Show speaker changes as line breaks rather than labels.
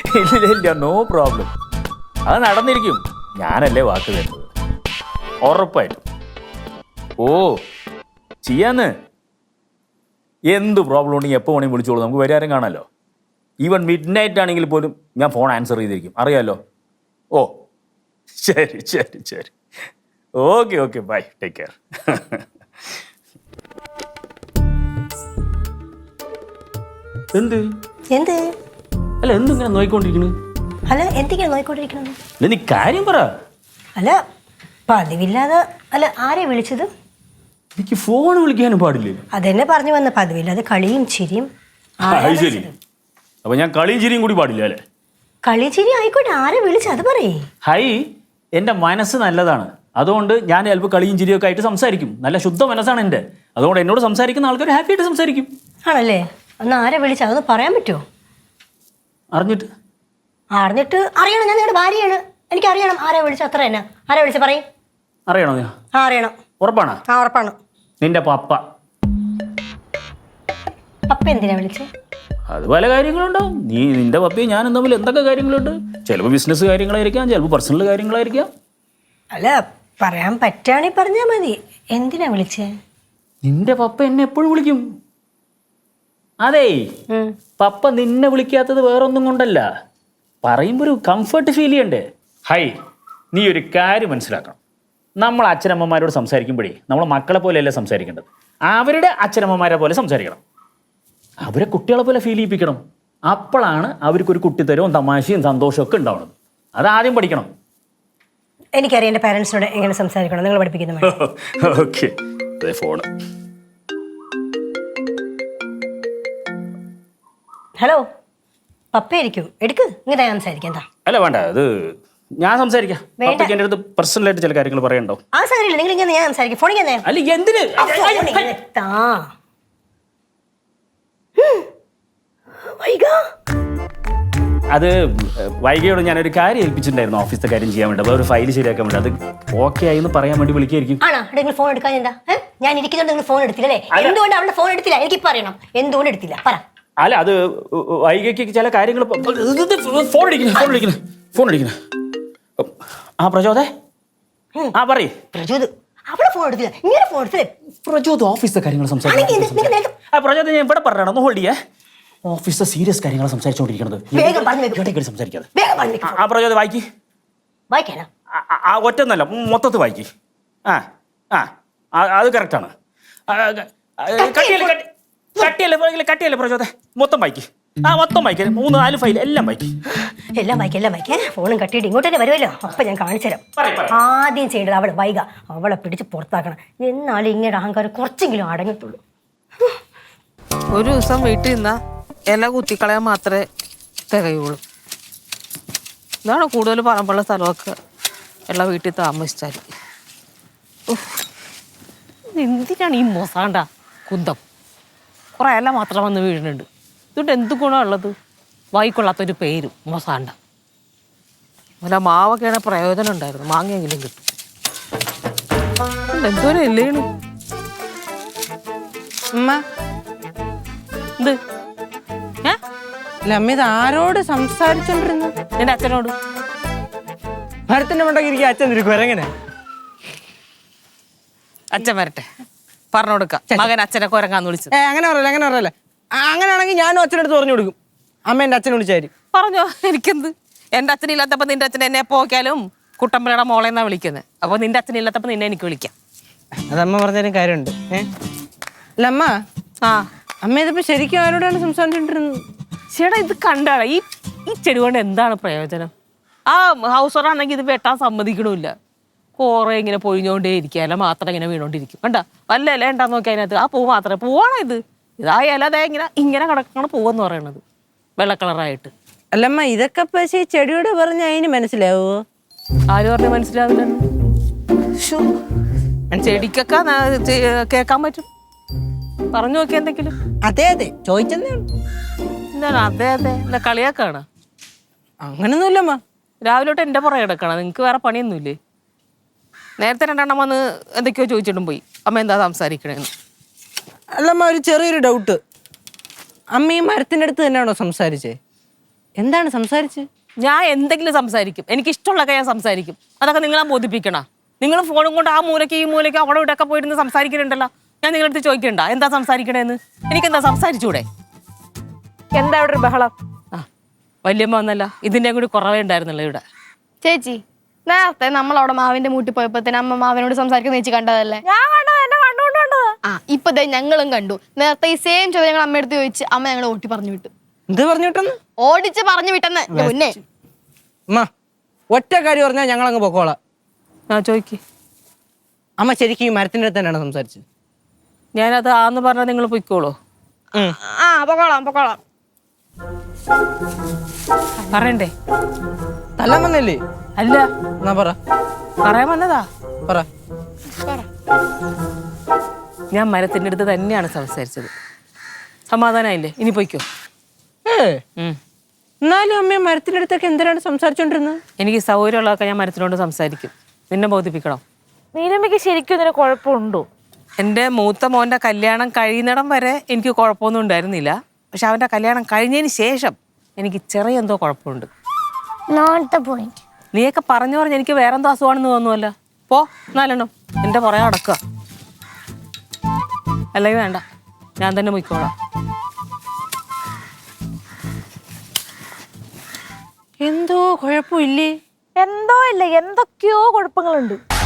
ഇല്ല, no problem. അത് നടന്നിരിക്കും. ഞാനല്ലേ വാക്ക് തരുന്നത്. ഉറപ്പായിട്ടും. ഓ ചെയ്യാന്ന്. എന്ത് പ്രോബ്ലം ഉണ്ടെങ്കിൽ എപ്പോൾ വേണമെങ്കിൽ വിളിച്ചോളൂ, നമുക്ക് പരിഹാരം കാണാമല്ലോ. ഈവൻ മിഡ് നൈറ്റ് ആണെങ്കിൽ പോലും ഞാൻ ഫോൺ ആൻസർ ചെയ്തിരിക്കും, അറിയാമല്ലോ. ഓ ശരി ശരി ശരി, okay okay, bye, take care. എന്ത്
എന്ത്
അല്ല, എന്തിങ്ങനെ നോയിക്കൊണ്ടിരിക്കണ്?
അല്ല എന്തൊക്കെയാണ് നോയിക്കൊണ്ടിരിക്കുന്നത്?
അല്ല നീ കാര്യം പറ.
അല്ല പതിവില്ലാതെ അല്ല ആരെ വിളിച്ചത്?
എനിക്ക് ഫോൺ വിളിക്കാനും പാടില്ലേ?
അതെന്നെ പറഞ്ഞു വന്ന പതിവില്ലാതെ കളിയും ചിരിയും.
ശരി, അപ്പൊ ഞാൻ കളിയും ചിരിയും കൂടി പാടില്ല അല്ലേ?
കളി ചിരി ആയിക്കോട്ടെ, ആരെ വിളിച്ചു അത് പറയേ.
ഹൈ, എൻ്റെ മനസ്സ് നല്ലതാണ്, അതുകൊണ്ട് ഞാൻ ചിലപ്പോൾ കളിയും ചിരിയൊക്കെ ആയിട്ട് സംസാരിക്കും. നല്ല ശുദ്ധ മനസ്സാണ് എൻ്റെ, അതുകൊണ്ട് എന്നോട് സംസാരിക്കുന്ന ആൾക്കാർ ഹാപ്പി ആയിട്ട് സംസാരിക്കും.
ആണല്ലേ? അന്ന് ആരെ വിളിച്ച അതൊന്ന് പറയാൻ പറ്റുമോ?
അറിഞ്ഞിട്ട്
അറിയണം. ഞാൻ നിങ്ങളുടെ ഭാര്യയാണ്, എനിക്ക് അറിയണം ആരെ വിളിച്ച. അത്ര തന്നെ. ആരെ വിളിച്ച പറയും.
അറിയണോ?
ആ അറിയണം.
ഉറപ്പാണ്?
ആ ഉറപ്പാണ്.
നിന്റെ പപ്പ.
പപ്പ എന്തിനാ വിളിച്ചേ?
അത് പല കാര്യങ്ങളുണ്ടാവും. നിന്റെ പപ്പയും ഞാനും തമ്മിൽ എന്തൊക്കെ കാര്യങ്ങളുണ്ട്. ചിലപ്പോൾ ബിസിനസ് കാര്യങ്ങളായിരിക്കാം, ചിലപ്പോൾ പേഴ്സണൽ കാര്യങ്ങളായിരിക്കാം.
അല്ല പറയാൻ പറ്റുകയാണെങ്കിൽ പറഞ്ഞാൽ മതി. എന്തിനാ വിളിച്ചേ?
നിന്റെ പപ്പ എന്നെ എപ്പോഴും വിളിക്കും. അതേ, പപ്പ നിന്നെ വിളിക്കാത്തത് വേറൊന്നും കൊണ്ടല്ല, പറയുമ്പോൾ ഒരു കംഫർട്ട് ഫീൽ ചെയ്യണ്ടേ. ഹൈ, നീ ഒരു കാര്യം മനസ്സിലാക്കണം. നമ്മൾ അച്ഛനമ്മമാരോട് സംസാരിക്കുമ്പോഴേ നമ്മൾ മക്കളെ പോലെയല്ല സംസാരിക്കേണ്ടത്, അവരുടെ അച്ഛനമ്മമാരെ പോലെ സംസാരിക്കണം. അവരെ കുട്ടികളെ പോലെ ഫീൽ ചെയ്യിപ്പിക്കണം. അപ്പോഴാണ് അവർക്കൊരു കുട്ടിത്തരവും തമാശയും സന്തോഷവും ഒക്കെ ഉണ്ടാവുന്നത്. അതാദ്യം പഠിക്കണം.
എനിക്കറിയാം എൻ്റെ പാരൻസിനോട് എങ്ങനെ സംസാരിക്കണം, നിങ്ങൾ പഠിപ്പിക്കുന്ന.
Okay, phone.
ഹലോ, പപ്പയായിരിക്കും, എടുക്ക്. ഇങ്ങനെ സംസാരിക്കാം. എന്താ?
അല്ല വേണ്ട, അത് ഞാൻ സംസാരിക്കാം. പപ്പയ്ക്ക് എൻ്റെ അടുത്ത് പേഴ്സണലായിട്ട് ചില കാര്യങ്ങൾ പറയണ്ടോ?
ആ സാരില്ല, നിങ്ങൾ ഇങ്ങനെ ഞാൻ സംസാരിക്കും. ഫോണിൽ തന്നെ.
അല്ല എന്തിന്? അത് വൈകിയോട് ഞാനൊരു കാര്യം ഏൽപ്പിച്ചിട്ടുണ്ടായിരുന്നു, ഓഫീസിലെ കാര്യം ചെയ്യാൻ വേണ്ടി. അപ്പോൾ ഒരു ഫയൽ ശരിയാക്കാൻ വേണ്ടി. അത് ഓക്കെ ആയി എന്ന് പറയാൻ വേണ്ടി വിളിക്കായിരിക്കും.
ആണോ? നിങ്ങൾ ഫോൺ എടുക്കാൻ എന്താ? ഞാൻ ഇരിക്കുന്നുണ്ട്, നിങ്ങൾ ഫോൺ എടുത്തില്ലേ? എന്തുകൊണ്ട് അവളുടെ ഫോൺ എടുത്തില്ല? എനിക്ക് പറയണം, എന്തുകൊണ്ട് എടുത്തില്ല പറ.
അല്ല, അത് വൈകിക്ക് ചില കാര്യങ്ങൾ. ഫോൺ അടിക്കുന്നു. ആ പ്രചോദേ, ആ പറയ്.
പ്രചോദ് അവളെ ഫോൺ എടുത്തില്ല, ഇങ്ങനെ ഫോൺ എടുത്തില്ലേ?
പ്രചോദ് ഓഫീസിലെ കാര്യങ്ങൾ സംസാരിക്കും. പ്രചോദ് ഞാൻ ഇവിടെ പറഞ്ഞാണ്, ഒന്ന് ഹോൾഡ് ചെയ്യേ. ഓഫീസിലെ സീരിയസ് കാര്യങ്ങൾ സംസാരിച്ചുകൊണ്ടിരിക്കുന്നത്. സംസാരിക്കാതെ. ആ പ്രചോദ് വായിക്ക്.
വായിക്കാനാ?
ആ ഒറ്റന്നല്ല, മൊത്തത്തിൽ വായിക്ക്. അത് കറക്റ്റാണ്. കട്ടിയല്ലേ പ്രചോദ, മൊത്തം വായിക്ക്. മൊത്തം വായിക്കാൻ 3-4 ഫയൽ എല്ലാം വായിക്കും.
എല്ലാം വായിക്കാം. ഫോണും കട്ടിയിട്ട് ഇങ്ങോട്ട് തന്നെ വരുമല്ലോ, അപ്പൊ ഞാൻ കാണിച്ചു തരാം. ആദ്യം ചെയ്യേണ്ടത് അവളെ വൈക, അവളെ പിടിച്ച് പുറത്താക്കണം. എന്നാലും ഇങ്ങനെ അഹങ്കാരം കുറച്ചെങ്കിലും അടങ്ങത്തുള്ളൂ.
ഒരു ദിവസം വീട്ടിൽ നിന്നാ ഇല കുത്തിക്കളയാൻ മാത്രമേ തികയുള്ളൂ. ഇതാണ് കൂടുതൽ പറമ്പുള്ള സ്ഥലമൊക്കെ എല്ലാ വീട്ടിൽ താമസിച്ചാൽ. എന്തിനാണ് ഈ മൊസാണ്ട കുന്തം? കുറേ ഇല മാത്രം വന്ന് വീഴുന്നുണ്ട്. ഇതുകൊണ്ട് എന്ത് ഗുണമുള്ളത്? വായിക്കൊള്ളാത്തൊരു പേരും മൊസാണ്ട. അല്ല മാവൊക്കെയാണ് പ്രയോജനം ഉണ്ടായിരുന്നു, മാങ്ങയെങ്കിലും കിട്ടും. എന്തോരം ഇല്ലേണ്
അമ്മ.
ഇത്
അമ്മ ഇത് ആരോട് സംസാരിച്ചോണ്ടിരുന്നു?
എൻ്റെ അച്ഛനോട്.
ഭരത്തിന്റെ മണ്ടൊക്കെ ഇരിക്കും, അച്ഛൻ ഇരിക്കും. എങ്ങനെ
അച്ഛൻ വരട്ടെ, പറഞ്ഞു കൊടുക്കാം. മകൻ അച്ഛനെ കുരങ്ങാന്ന് വിളിച്ചു.
അങ്ങനെ പറയല്ലേ. അങ്ങനെയാണെങ്കിൽ ഞാനും അച്ഛനടുത്ത് പറഞ്ഞു കൊടുക്കും. അമ്മ എൻ്റെ അച്ഛനെ വിളിച്ചായിരിക്കും.
പറഞ്ഞോ, എനിക്കെന്ത്? എൻ്റെ അച്ഛനില്ലാത്തപ്പോ നിന്റെ അച്ഛൻ എന്നെ പോക്കാലും കുട്ടമ്പലയുടെ മോളെന്നാ വിളിക്കുന്നത്. അപ്പൊ നിന്റെ അച്ഛനില്ലാത്തപ്പോ നിന്നെ എനിക്ക് വിളിക്കാം.
അതമ്മ പറഞ്ഞാലും കാര്യമുണ്ട്. അല്ല അമ്മ, അമ്മ ഇതിപ്പോ ശരിക്കും ആരോടാണ് സംസാരിച്ചോണ്ടിരുന്നത്?
ചേട്ടാ ഇത് കണ്ടാണ് ഈ ചെടി കൊണ്ട് എന്താണ് പ്രയോജനം? ആ ഹൗസ് ഓണറാണെങ്കിൽ ഇത് വെട്ടാൻ സമ്മതിക്കണമില്ല. കുറേ ഇങ്ങനെ പൊഴിഞ്ഞോണ്ടേ ഇരിക്കുക, ഇല മാത്രം ഇങ്ങനെ വീണോണ്ടിരിക്കും. കണ്ട വല്ല ഇല ഉണ്ടാന്ന് നോക്കി അതിനകത്ത് ആ പൂ മാത്രമേ പൂവാണോ ഇത്? ഇതാ ഇല അതേ ഇങ്ങനെ കിടക്കണം പൂവെന്ന് പറയണത്, വെള്ള കളറായിട്ട്.
അല്ലമ്മ ഇതൊക്കെ പക്ഷേ ചെടിയോട് പറഞ്ഞ അതിന് മനസ്സിലാവോ?
ആര് പറഞ്ഞു മനസ്സിലാവില്ല? ചെടിക്കൊക്കെ കേൾക്കാൻ പറ്റും. പറഞ്ഞു നോക്കി എന്തെങ്കിലും.
അതെ ചോദിച്ചെന്നേ.
എന്താണ് അതെ എന്താ കളിയാക്കാണ്?
അങ്ങനൊന്നുമില്ലമ്മ.
രാവിലെ തൊട്ട് എൻ്റെ പുറകെ കിടക്കണം, നിങ്ങൾക്ക് വേറെ പണിയൊന്നുമില്ലേ? നേരത്തെ 2 എണ്ണം വന്ന് എന്തൊക്കെയോ ചോദിച്ചിട്ടും പോയി, അമ്മ എന്താ സംസാരിക്കണേന്ന്.
അല്ലമ്മ ഒരു ചെറിയൊരു ഡൗട്ട്. അമ്മ ഈ മരത്തിൻ്റെ അടുത്ത് തന്നെയാണോ സംസാരിച്ചേ? എന്താണ് സംസാരിച്ച്?
ഞാൻ എന്തെങ്കിലും സംസാരിക്കും, എനിക്ക് ഇഷ്ടമുള്ളതൊക്കെ ഞാൻ സംസാരിക്കും. അതൊക്കെ നിങ്ങളെ ബോധിപ്പിക്കണം. നിങ്ങൾ ഫോണും കൊണ്ട് ആ മൂലയ്ക്ക് ഈ മൂലയ്ക്ക് അവിടെ ഇവിടെയൊക്കെ പോയിരുന്ന് സംസാരിക്കുന്നുണ്ടല്ലോ. ഞാൻ നിങ്ങളടുത്ത് ചോദിക്കണ്ട എന്താ സംസാരിക്കണേന്ന്. എനിക്കെന്താ സംസാരിച്ചൂടെ?
എന്താ ഇവിടെ ഒരു ബഹളം?
ആ വല്യമ്മ വന്നല്ല, ഇതിൻ്റെ കൂടി കുറവേ ഉണ്ടായിരുന്നല്ലോ ഇവിടെ.
ചേച്ചി നേരത്തെ നമ്മളവിടെ മാവിന്റെ മൂട്ടി പോയപ്പോഴത്തേന് അമ്മ മാവിനോട് സംസാരിക്കുന്ന ചേച്ചി കണ്ടതല്ലേ?
ഞാൻ കണ്ടത്, എന്നെ കണ്ടുകൊണ്ട് കണ്ടത്.
ആ ഇപ്പൊ ദേ ഞങ്ങളും കണ്ടു. നേരത്തെ ഈ സെയിം ചോദ്യം ഞങ്ങൾ അമ്മയെടുത്ത് ചോദിച്ച് അമ്മ ഞങ്ങളെ ഓട്ടി പറഞ്ഞു വിട്ടു.
എന്ത് പറഞ്ഞു വിട്ടെന്ന്?
ഓടിച്ച് പറഞ്ഞു വിട്ടെന്ന്. മുന്നേ
അമ്മ ഒറ്റ കാര്യം പറഞ്ഞാൽ ഞങ്ങൾ അങ്ങ് പൊക്കോളാം.
ആ ചോദിക്ക്.
അമ്മ ശരിക്കും ഈ മരത്തിന്റെ അടുത്ത് തന്നെയാണ് സംസാരിച്ചത്?
ഞാനത് ആന്ന് പറഞ്ഞാൽ നിങ്ങൾ പൊയ്ക്കോളൂ.
ആ പൊക്കോളാം പൊക്കോളാം.
പറയണ്ടേ?
തല്ലാൻ വന്നല്ലേ?
അല്ല,
എന്നാ പറ.
പറയാൻ വന്നതാ.
പറ.
ഞാൻ മരത്തിൻ്റെ അടുത്ത് തന്നെയാണ് സംസാരിച്ചത്. സമാധാനമായില്ലേ? ഇനി പൊയ്ക്കോ.
എന്നാലും അമ്മ മരത്തിന്റെ അടുത്തൊക്കെ എന്തിനാണ് സംസാരിച്ചോണ്ടിരുന്നത്?
എനിക്ക് സൗകര്യമുള്ളതൊക്കെ ഞാൻ മരത്തിനോട് സംസാരിക്കും. നിന്നെ ബോധിപ്പിക്കണം.
നീലമ്മയ്ക്ക് ശരിക്കും ഇതിന് കുഴപ്പമുണ്ടോ?
എൻ്റെ മൂത്ത മോൻ്റെ കല്യാണം കഴിയുന്നിടം വരെ എനിക്ക് കുഴപ്പമൊന്നും ഉണ്ടായിരുന്നില്ല. പക്ഷെ അവൻ്റെ കല്യാണം കഴിഞ്ഞതിന് ശേഷം എനിക്ക് ചെറിയ എന്തോ കുഴപ്പമുണ്ട്. നീയൊക്കെ പറഞ്ഞു പറഞ്ഞ് എനിക്ക് വേറെന്തോ അസുഖമാണെന്ന് തോന്നുമല്ലോ. പോ നാലെണ്ണം എൻ്റെ പുറകെ നടക്കുക. അല്ലെങ്കിൽ വേണ്ട, ഞാൻ തന്നെ പോയിക്കോളാം.
എന്തോ കുഴപ്പമില്ലേ?
എന്തോ ഇല്ല, എന്തൊക്കെയോ കുഴപ്പങ്ങളുണ്ട്.